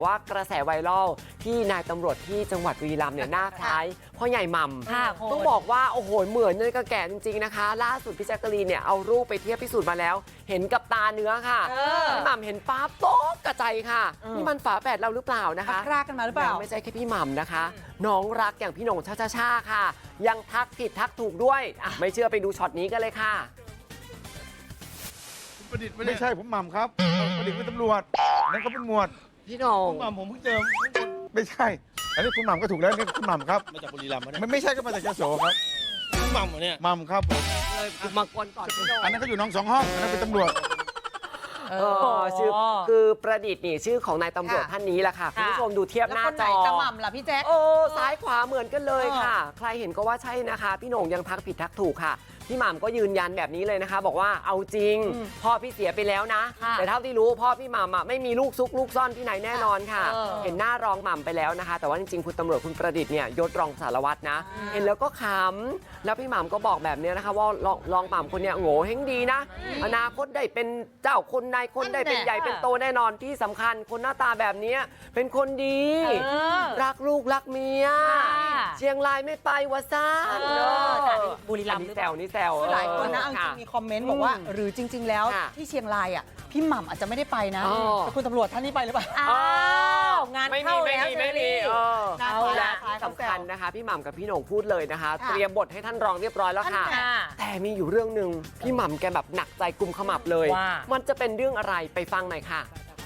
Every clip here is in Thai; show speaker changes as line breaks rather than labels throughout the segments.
ว่ากระแสไวรัลที่นายตำรวจที่จังหวัดบุรีรัมย์เนี่ยหน้าคล้ายพ่อใหญ่หม่ำต้องบอกว่าโอ้โหเหมือนเลยกับแก่จริงๆนะคะล่าสุดพี่แจ๊กกะลีนเนี่ยเอารูปไปเทียบพิสูจน์มาแล้วเห็นกับตาเนื้อค่ะพี่หม่ำเห็นป๊าโต๊ะกระจายค่ะนี่มันฝาแฝดเราหรือเปล่านะคะ
รากกันมาหรือเปล่า
ไม่ใช่แค่พี่หม่ำนะคะน้องรักอย่างพี่หน่งช่าค่ะยังทักผิดทักถูกด้วยไม่เชื่อไปดูช็อตนี้กันเลยค่ะ
ประดิษฐ์ไม่ใช่ผมหม่ำครับประดิษฐ์เป็นตำรวจนั่นก็เป็นหมวด
พี่หน่ง
หม่ำผมเพิ่งเจอไม่ใช่อันนี้คุณหม่ำก็ถูกแล้วนี่คุณหม่ำครับ
มาจากบุรีรัมย์
ไม่ใช่ก็มาจากยโสครับ
คุณหม่ำเนี่ย
หม่ำครับผม
เลยมากวนก่อนพี่หน่ง
อันนั้นก็อยู่น้อง2 ห้องอันนั้นเป็นตำรวจ
ชื่อคือประดิษฐ์นี่ชื่อของนายตำรวจท่านนี้แหละค่ะคุณผู้ชมดูเทียบหน้าจอ
ตะหม่ำล่ะพี่แจ๊ค
ซ้ายขวาเหมือนกันเลยค่ะใครเห็นก็ว่าใช่นะคะพี่โหน่งยังทักผิดทักถูกค่ะพี่หม่ำก็ยืนยันแบบนี้เลยนะคะบอกว่าเอาจริงพ่อพี่เสียไปแล้วนะแต่เท่าที่รู้พ่อพี่หม่ำไม่มีลูกซุกลูกซ่อนที่ไหนแน่นอนค่ะเห็นหน้ารองหม่ำไปแล้วนะคะแต่ว่าจริงๆคุณตำรวจคุณประดิษฐ์เนี่ยยศรองสารวัตรนะเห็นแล้วก็ขำแล้วพี่หม่ำก็บอกแบบนี้นะคะว่ารองหม่ำคนเนี้ยโง่เฮงดีนะอนาคตได้เป็นเจ้าคนนายคนได้เป็นใหญ่เป็นโตแน่นอนที่สำคัญคนหน้าตาแบบนี้เป็นคนดีรักลูกรักเมียเชียงรายไม่ไปวะซ่า
บุรีรัมย์
นี่แซว
หลายคนนะจริงมีคอมเมนต์บอกว่าหรือจริงๆแล้วที่เชียงรายอ่ะพี่หม่ำอาจจะไม่ได้ไปนะแต่คุณตำรวจท่านนี้ไปหรือเปล่างานเข้าแล้ว
ไม่มี
และ
ที่สำคัญนะคะพี่หม่ำกับพี่โหน่งพูดเลยนะคะเตรียมบทให้ท่านรองเรียบร้อยแล้วค่ะแต่มีอยู่เรื่องหนึ่งพี่หม่ำแกแบบหนักใจกุมขมับเลยมันจะเป็นเรื่องอะไรไปฟังหน่อยค่ะ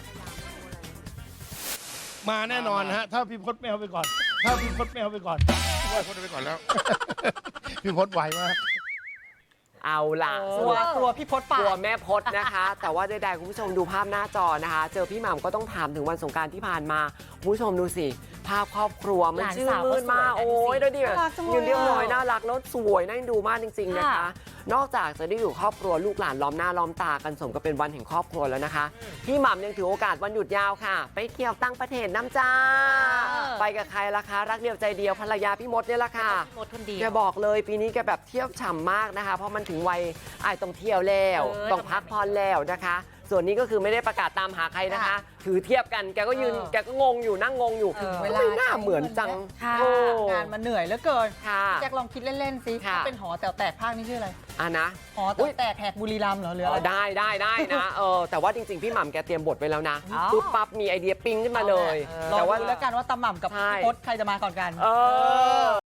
มาแน่นอนฮะถ้าพี่พศไม่เอาไปก่อนถ้าพี่พศไม่เอาไปก่อน
ว่าพศไปก่อนแล้วพี่พศไหวมาก
เอาล่ะ
กลัวพี่พศป่ะ
กลัวแม่พศนะคะ แต่ว่าใดๆคุณผู้ชมดูภาพหน้าจอนะคะเจอพี่หม่ำก็ต้องถามถึงวันสงกรานต์ที่ผ่านมาคุณผู้ชมดูสิภาพครอบครัวมันชื่นมื่นมากโอ้ยดูดิยืนเรียบร้อยน่ารักแล้วสวยน่าดูมากจริงๆนะคะนอกจากจะได้อยู่ครอบครัวลูกหลานล้อมหน้าล้อมตากันสมกับเป็นวันแห่งครอบครัวแล้วนะคะพี่หม่ำยังถือโอกาสวันหยุดยาวค่ะไปเที่ยวตั้งประเทศน้ำจ้าไปกับใครล่ะคะรักเดียวใจเดียวภรรยาพี่มดเนี่ยแหละค่ะแกบอกเลยปีนี้แกแบบเที่ยวฉ่ำมากนะคะเพราะมันถึงวัยต้องเที่ยวแล้วต้องพักผ่อนแล้วนะคะส่วนนี้ก็คือไม่ได้ประกาศตามหาใครนะคะถือเทียบกันแกก็ยืนแกก็งงอยู่นั่งงงอยู่เวลาหน้าเหมือนจัง
งานมันเหนื่อยเหลือเกิน
แ
จ็คลองคิดเล่นๆสิถ้าเป็นหอแต๋วแตกภาคนี้ชื่ออะไร
นะ
หอแต๋วแตกแหกบุรีรัมย์เหรอหรือ
ได้นะแต่ว่าจริงๆพี่หม่ำแกเตรียมบทไว้แล้วนะปุ๊บปั๊บมีไอเดียปิ้งขึ้นมาเลย
แต่ว่าแล้วกันว่าตาหม่ำกับพี่พศใครจะมาก่อนกัน